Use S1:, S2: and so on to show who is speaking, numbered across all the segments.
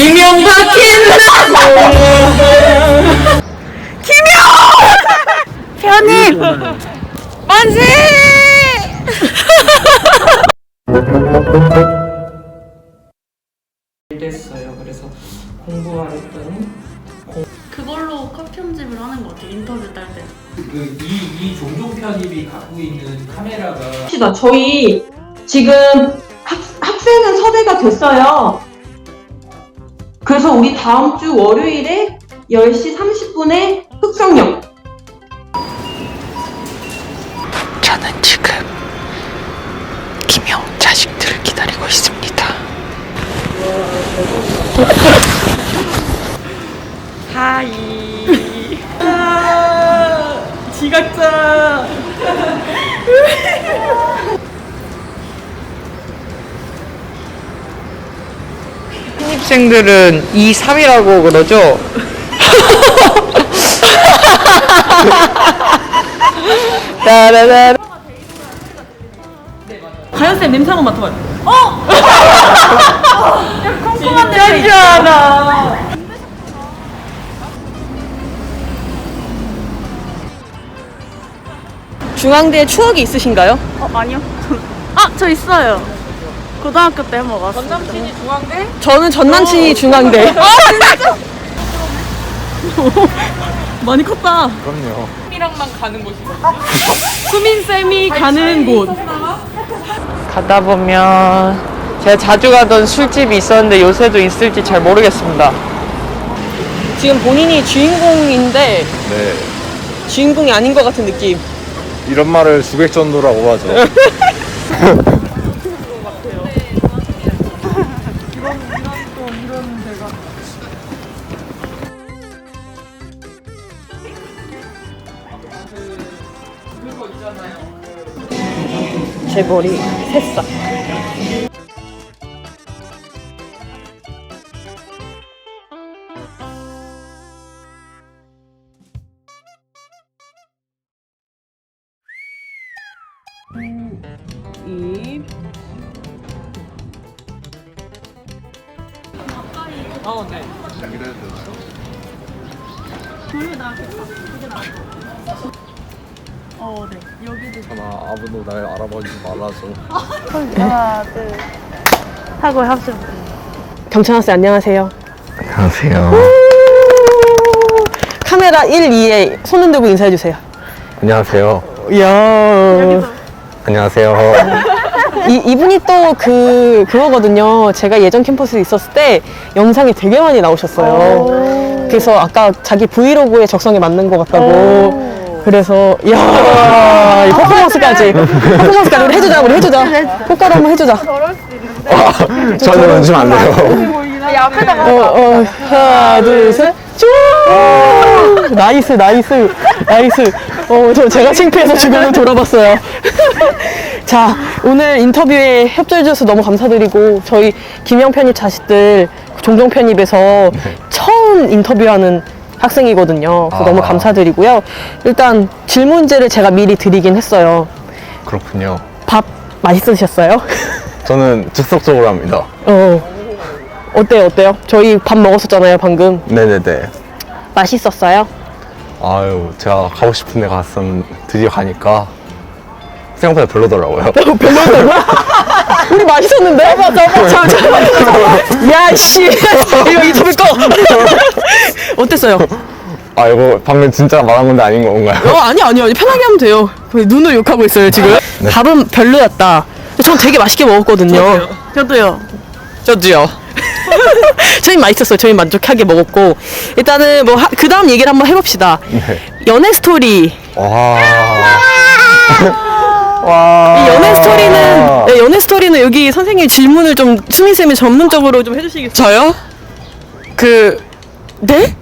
S1: 이명박 김영 편입 만세.
S2: 됐어요. 그래서 공부하랬더니
S3: 그걸로 컷 편집을 하는 것 같아요. 인터뷰 딸 때.
S2: 이 종종 편입이 갖고 있는 카메라가
S4: 저희 지금 학생은 섭외가 됐어요. 그래서 우리 다음 주 월요일에 10시 30분에 흑성역.
S1: 저는 지금 김영 자식들을 기다리고 있습니다. 하이. 지각자. 신입생들은 2, 3이라고 그러죠? 따라라.
S3: 가연쌤 냄새 한번 맡아봐요. 콩콩한 냄새.
S1: 진짜잖아. 중앙대에 추억이 있으신가요?
S3: 아니요. 저 있어요. 고등학교 때 한번 왔어요. 전남친이 중앙대?
S1: 저는 전 남친이 중앙대.
S3: 많이 컸다.
S5: 그럼요.
S3: 수민쌤이 가는 곳.
S1: 가다 보면 제가 자주 가던 술집이 있었는데 요새도 있을지 잘 모르겠습니다. 지금 본인이 주인공인데
S5: 네.
S1: 주인공이 아닌 것 같은 느낌.
S5: 이런 말을 주객전도라고 하죠.
S1: 제 머리 새싹. 입. 네.
S3: 네. 여기도.
S5: 하나 아무도 날 알아보지 말아줘.
S3: 하나, 둘. 하고 합쳐.
S1: 경찬학생 안녕하세요.
S5: 안녕하세요.
S1: 카메라 1, 2에 손 흔들고 인사해주세요.
S5: 안녕하세요.
S1: 이야.
S5: 안녕하세요.
S1: 이분이 또 그거거든요. 제가 예전 캠퍼스에 있었을 때 영상이 되게 많이 나오셨어요. 그래서 아까 자기 브이로그에 적성에 맞는 것 같다고. 그래서 이야, 이 퍼포먼스까지 우리 해주자. 효과로 한번 해주자.
S5: 저는 얹으면 안 돼요.
S1: 하나, 둘, 셋. 쭉! 나이스. 제가 창피해서 주변을 돌아봤어요. 자, 오늘 인터뷰에 협조해주셔서 너무 감사드리고, 저희 김영 편입 자식들 종종 편입에서 처음 인터뷰하는 학생이거든요. 그래서 너무 감사드리고요. 일단 질문제를 제가 미리 드리긴 했어요.
S5: 그렇군요.
S1: 밥 맛있으셨어요?
S5: 저는 즉석적으로 합니다.
S1: 어때요? 저희 밥 먹었었잖아요, 방금.
S5: 네네네.
S1: 맛있었어요?
S5: 아유, 제가 가고 싶은 데 갔었는데 드디어 가니까 생각보다 별로더라고요.
S1: 별로였다고? 우리 맛있었는데? 맞아. 야, 씨. 이거 인터뷰 꺼. 어땠어요?
S5: 아, 이거 방금 진짜 말한 건데 아닌 건가요?
S1: 아니. 편하게 하면 돼요. 눈을 욕하고 있어요, 지금.
S5: 네.
S1: 밥은 별로였다. 전 되게 맛있게 먹었거든요.
S3: 저도요.
S1: 저도요. 저희 맛있었어요. 저희 만족하게 먹었고. 일단은 그 다음 얘기를 한번 해봅시다.
S5: 네.
S1: 연애 스토리.
S5: 와.
S1: 이 연애 스토리는 여기 선생님 질문을 좀 수민쌤이 전문적으로 좀 해주시겠어요? 저요? 네?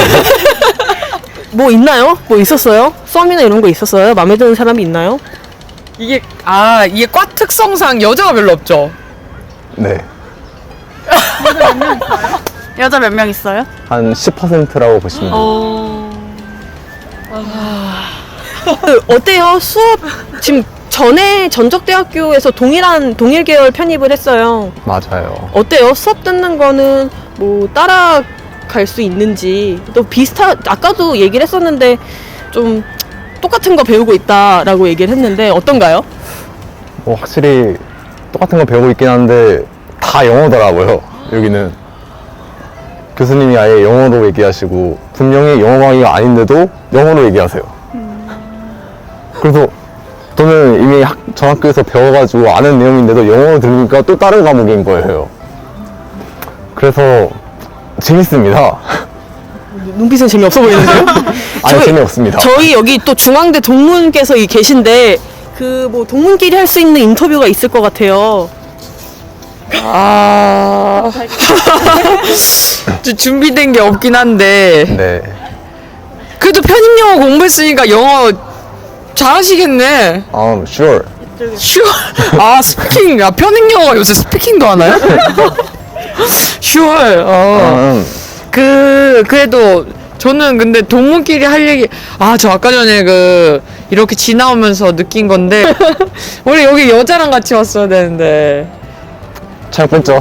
S1: 뭐 있나요? 뭐 있었어요? 썸이나 이런 거 있었어요? 마음에 드는 사람이 있나요?
S6: 이게 과 특성상 여자가 별로 없죠.
S5: 네.
S3: 여자 몇 명 있어요?
S5: 한 10%라고 보시면 돼요.
S1: 어때요? 수업 지금 전에 전적대학교에서 동일 계열 편입을 했어요.
S5: 맞아요.
S1: 어때요? 수업 듣는 거는 뭐 따라갈 수 있는지 또 아까도 얘기를 했었는데 좀 똑같은 거 배우고 있다라고 얘기를 했는데 어떤가요?
S5: 뭐 확실히 똑같은 거 배우고 있긴 한데 다 영어더라고요. 여기는 교수님이 아예 영어로 얘기하시고 분명히 영어 강의가 아닌데도 영어로 얘기하세요. 그래서 저는 이미 전 학교에서 배워가지고 아는 내용인데도 영어로 들으니까 또 다른 과목인 거예요. 그래서 재밌습니다.
S1: 눈빛은 재미없어 보이는데요?
S5: 아니 재미없습니다.
S1: 저희 여기 또 중앙대 동문께서 계신데 그 뭐 동문끼리 할 수 있는 인터뷰가 있을 것 같아요.
S6: 아. 좀 준비된 게 없긴 한데.
S5: 네.
S6: 그래도 편입 영어 공부했으니까 영어 잘하시겠네.
S5: sure.
S6: sure. 아, 스피킹. 아, 편입 영어가 요새 스피킹도 하나요? sure. 그래도 저는 근데 동문끼리 할 얘기, 저 아까 전에 이렇게 지나오면서 느낀 건데, 원래 여기 여자랑 같이 왔어야 되는데.
S5: 잘 뺐죠?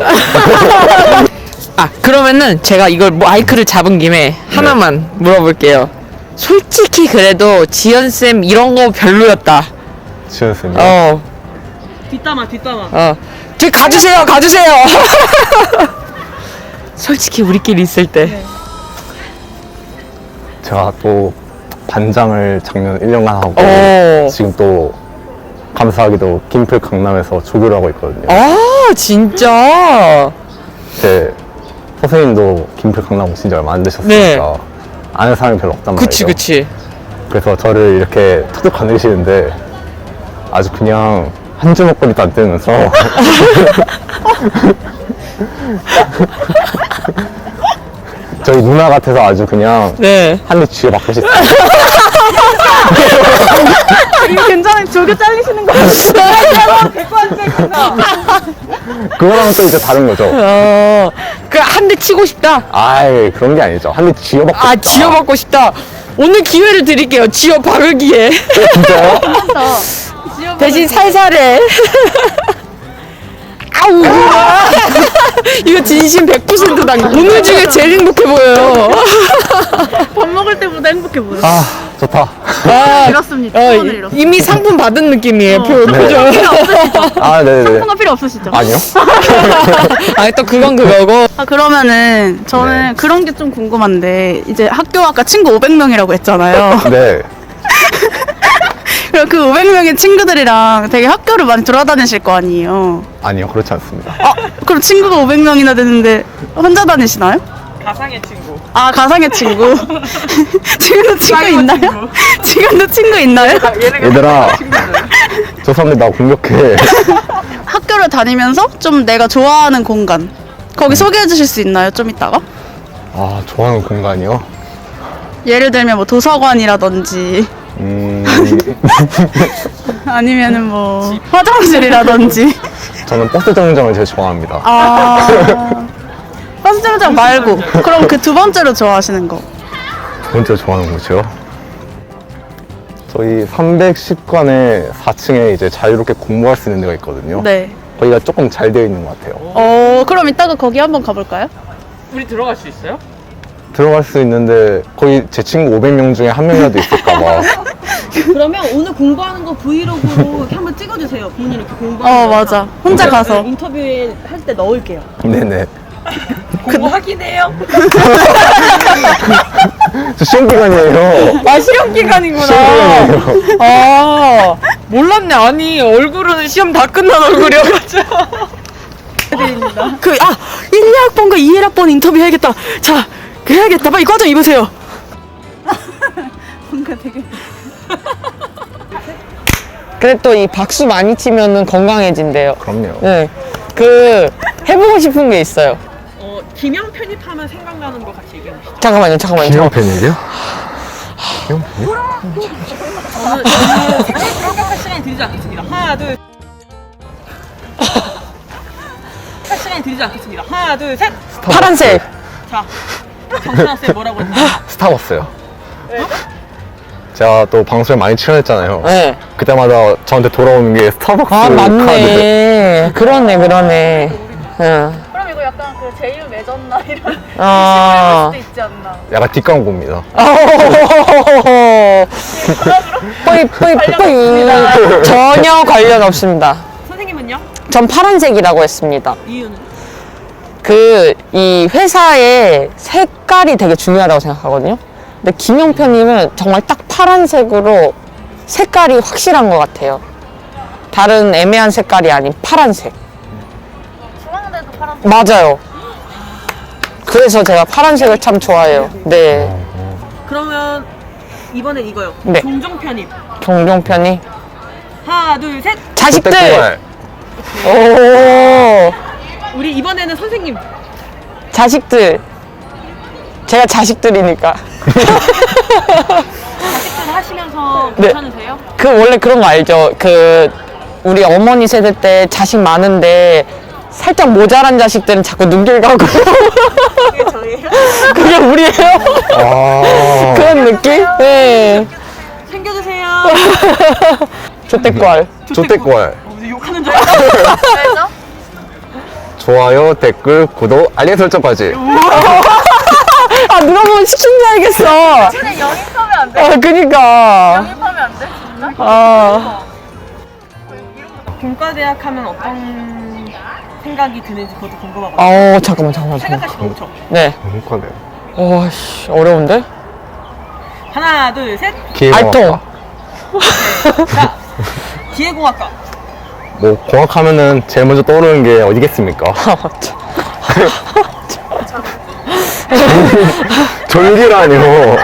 S6: 그러면은 제가 이걸 마이크를 잡은 김에 하나만 물어볼게요. 솔직히 그래도 지연쌤 이런 거 별로였다.
S5: 지연쌤이요?
S1: 뒷담화.
S6: 저기 가주세요. 솔직히 우리끼리 있을 때.
S5: 제가 또 반장을 작년 1년간 하고 지금 또 감사하게도 김플 강남에서 조교를 하고 있거든요.
S6: 진짜?
S5: 제 선생님도 김플 강남 오신 지 얼마 안 되셨으니까
S6: 네.
S5: 아는 사람이 별로 없단 말이에요.
S6: 그치.
S5: 그래서 저를 이렇게 툭툭 건드리시는데 아주 그냥 한 주먹거리도 안 뜨면서 저희 누나 같아서 아주 그냥
S6: 네.
S5: 한 대 쥐어맞고 싶어요.
S3: 괜찮아요. 조교 잘리시는 거
S5: 그거랑은 또 이제 다른 거죠.
S6: 한 대 치고 싶다.
S5: 아이 그런 게 아니죠. 한 대 쥐어맞고 싶다.
S6: 지어받고 싶다. 오늘 기회를 드릴게요. 지어박을 기회.
S5: 진짜요?
S6: 대신 살살해. 아우. 이거 진심 100% 당. 오늘 중에 제일 행복해 보여요.
S3: 밥 먹을 때보다 행복해 보여.
S5: 좋다.
S3: 잃었습니다. 소원을 잃었어요.
S6: 이미 상품 받은 느낌이에요.
S5: 네.
S6: 표정.
S5: 네네네.
S3: 상품가 필요 없으시죠?
S5: 아니요.
S6: 또 그건 그거고.
S3: 그러면은 저는
S5: 네.
S3: 그런 게 좀 궁금한데 이제 학교 아까 친구 500명이라고 했잖아요.
S5: 네.
S3: 그럼 그 500명의 친구들이랑 되게 학교를 많이 돌아다니실 거 아니에요.
S5: 아니요, 그렇지 않습니다.
S3: 그럼 친구가 500명이나 되는데 혼자 다니시나요?
S6: 가상의 친구.
S3: 가상의 친구. 지금도 친구 있나요? 지금도 친구 있나요?
S5: 얘들아, 저 사람들 나 공격해.
S3: 학교를 다니면서 좀 내가 좋아하는 공간 거기 소개해 주실 수 있나요? 좀 이따가?
S5: 좋아하는 공간이요?
S3: 예를 들면 뭐 도서관이라든지 아니면은 뭐 화장실이라든지.
S5: 저는 버스 정류장을 제일 좋아합니다.
S3: 버스 정류장 말고 그럼 그 두 번째로 좋아하시는 거.
S5: 두 번째로 좋아하는 곳이요? 저희 310관에 4층에 이제 자유롭게 공부할 수 있는 데가 있거든요.
S3: 네.
S5: 거기가 조금 잘 되어 있는 것 같아요.
S3: 그럼 이따가 거기 한번 가볼까요?
S6: 우리 들어갈 수 있어요?
S5: 들어갈 수 있는데 거기 제 친구 500명 중에 한 명이라도 있을까봐.
S1: 그러면 오늘 공부하는 거 브이로그로 이렇게 한번 찍어주세요. 본인 이렇게 공부하는 거.
S3: 맞아. 혼자 가서.
S1: 인터뷰에 할 때 넣을게요.
S5: 네네.
S6: 공부하긴 해요.
S5: 저 시험 기간이에요.
S6: 시험 기간이구나.
S5: 시험 기간이에요.
S6: 몰랐네. 아니, 얼굴은 시험 다 끝난 얼굴이어가지고.
S1: 1학번과 2학번 인터뷰 해야겠다. 자, 해야겠다. 빨리 과정 입으세요.
S3: 뭔가 되게.
S6: 근데 또 이 박수 많이 치면은 건강해진대요.
S5: 그럼요.
S6: 네. 해보고 싶은 게 있어요.
S1: 김영 편입하면 생각나는 거 같이 얘기해 보시죠.
S6: 잠깐만요.
S5: 김영 팬이요? 김영 팬이요?
S1: 생각할 시간이 들지 않겠습니다. 하나, 둘. 할 시간이 들지 않겠습니다. 하나, 둘, 셋.
S6: 파란색.
S1: 자, 정준하 쌤 뭐라고 했나?
S5: 스타벅스요. 제가 또 방송에 많이 출연했잖아요.
S6: 네.
S5: 그때마다 저한테 돌아오는 게 스타벅스
S6: 아,
S5: 카드.
S6: 맞네. 그러네. 응.
S3: 그럼 이거 약간 그 제휴 맺었나 이런
S6: 아.
S3: 수도 있지 않나.
S5: 약간 뒷광고입니다.
S6: 뿌이. 전혀 관련 없습니다.
S1: 선생님은요?
S6: 전 파란색이라고 했습니다.
S1: 이유는?
S6: 이 회사의 색깔이 되게 중요하다고 생각하거든요. 근데 김용표님은 정말 딱 파란색으로 색깔이 확실한 것 같아요. 다른 애매한 색깔이 아닌 파란색.
S3: 중앙대도 파란색.
S6: 맞아요. 그래서 제가 파란색을 참 좋아해요. 네.
S1: 그러면 이번엔 이거요.
S6: 네.
S1: 종종 편입.
S6: 종종편이.
S1: 하나, 둘, 셋.
S6: 자식들!
S5: 그때
S6: 오,
S1: 우리 이번에는 선생님.
S6: 자식들. 제가 자식들이니까.
S1: 자식들 하시면서
S6: 네.
S1: 괜찮으세요?
S6: 원래 그런 거 알죠? 우리 어머니 세대 때 자식 많은데 살짝 모자란 자식들은 자꾸 눈길 가고.
S1: 그게 저예요?
S6: 그게 우리예요?
S5: 아.
S6: 그런 느낌? 네.
S1: 챙겨주세요.
S6: 조태꼴.
S5: 조태꼴.
S1: 이제 욕하는 줄 알았어.
S3: 왜죠?
S5: 좋아요, 댓글, 구독, 알림 설정까지.
S6: 아, 누가 보면 시킨 줄 알겠어.
S3: 그냥 영입하면 안 돼?
S6: 아, 그니까.
S3: 영입하면 안 돼? 진짜?
S6: 아,
S1: 본과대학 하면 어떤 생각이 드는지 그것도 궁금하거든요.
S6: 잠깐만.
S1: 생각하시면 엄청.
S6: 네.
S5: 행복하네요.
S6: 와, 씨, 어려운데?
S1: 하나, 둘, 셋.
S6: 알통.
S1: 자, 기계공학과.
S5: 뭐 공학하면은 제일 먼저 떠오르는 게 어디겠습니까?
S6: 아, 맞죠.
S5: 졸기라니요.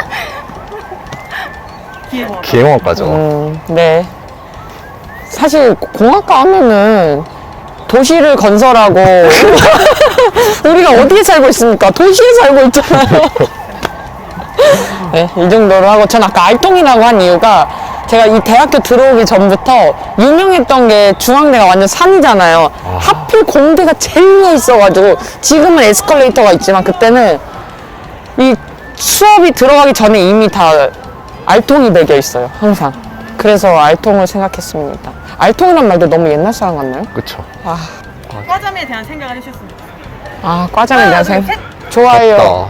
S1: 기계공학과.
S5: 기행학과죠.
S6: 네. 사실 공학과 하면은 도시를 건설하고 우리가 어디에 살고 있습니까? 도시에 살고 있잖아요. 네, 이 정도로 하고 전 아까 알통이라고 한 이유가 제가 이 대학교 들어오기 전부터 유명했던 게 중앙대가 완전 산이잖아요. 하필 공대가 제일 위에 있어가지고 지금은 에스컬레이터가 있지만 그때는 이 수업이 들어가기 전에 이미 다 알통이 매겨 있어요. 항상. 그래서 알통을 생각했습니다. 알통이란 말도 너무 옛날 사람 같나요?
S5: 그쵸.
S1: 과잠에 대한 생각을 해주셨습니다.
S6: 과장에 대한
S1: 하나, 둘,
S6: 생각.
S1: 셋.
S6: 좋아요.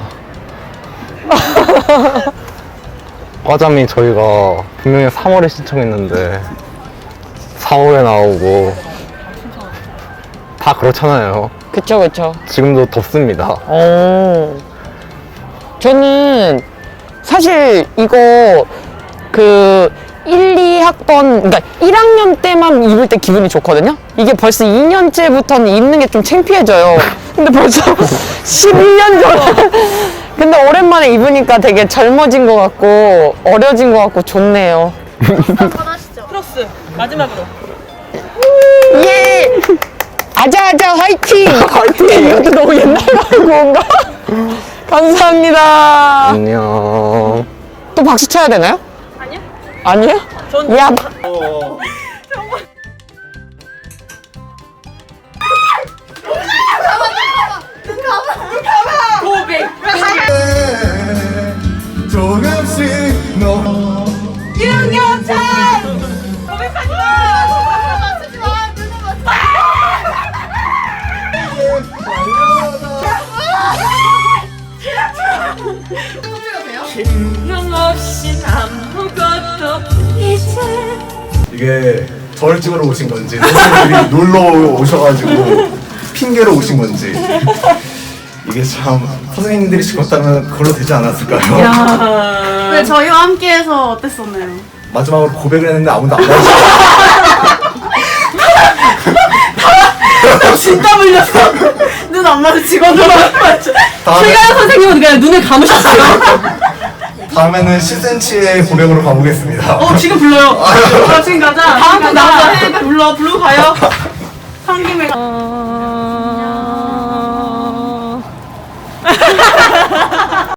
S5: 과잠이 저희가 분명히 3월에 신청했는데 4월에 나오고 다 그렇잖아요.
S6: 그쵸.
S5: 지금도 덥습니다.
S6: 저는 사실 이거 1, 2학번, 그러니까 1학년 때만 입을 때 기분이 좋거든요? 이게 벌써 2년째부터는 입는 게 좀 창피해져요. 근데 벌써 11년 전. 근데 오랜만에 입으니까 되게 젊어진 것 같고, 어려진 것 같고, 좋네요.
S3: 한번 하시죠.
S1: 플러스 마지막으로.
S6: 예! 아자아자 화이팅! 화이팅! 이것도 너무 옛날 광고인가? 감사합니다.
S5: 안녕.
S6: 또 박수 쳐야 되나요? 아니요.
S1: 전
S6: 야,
S7: 조금씩 너 이게 저를 찍으러 오신 건지 선생님들이 놀러 오셔가지고 핑계로 오신 건지 이게 참 선생님들이 시켰다면 그걸로 되지 않았을까요?
S3: 왜 저희와 함께해서 어땠었나요?
S7: 마지막으로 고백을 했는데 아무도 안 와주셔.
S1: 진짜 물렸어. 눈 안 마주치고
S7: 다음에,
S1: 선생님은 그냥 눈을 감으셨어요.
S7: 다음에는 10cm의 고백으로 가보겠습니다.
S1: 지금 불러요. 지금 가자. 다음 분 나와서 부르고 가요. 한 김에.